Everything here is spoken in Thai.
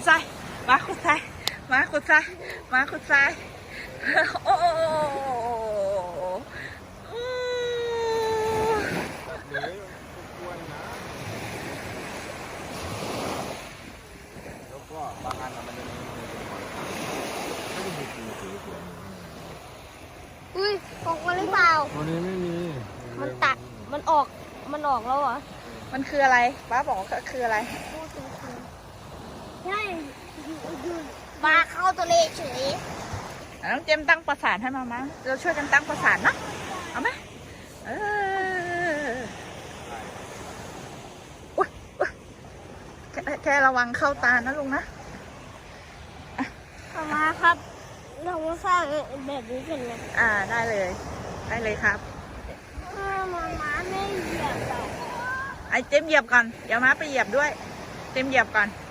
ทรายมาขุดทรายมาขุดทรายมาขุดทรายโอ้แล้วก็บางอันมันจะมีไม่ได้มีสีสวยอุ้ยออกมาหรือเปล่าวันนี้ไม่มีมันตัดมันออกแล้วเหรอมันคืออะไรป้าบอกว่าคืออะไรใช่ปลาเข้าตัวเลเฉยน้องเจมตั้งประสานให้มามั้งเราช่วยกันตั้งประสานนะเอาไหมอุ๊ยแค่ระวังเข้าตานะลุงนะมาครับเรามาสร้างแบบนี้กันนะได้เลยครับมาไม่เหยียบหรอกไอ้เจมเหยียบก่อนเดี๋ยวม้าไปเหยียบด้วยเจมเหยียบก่อน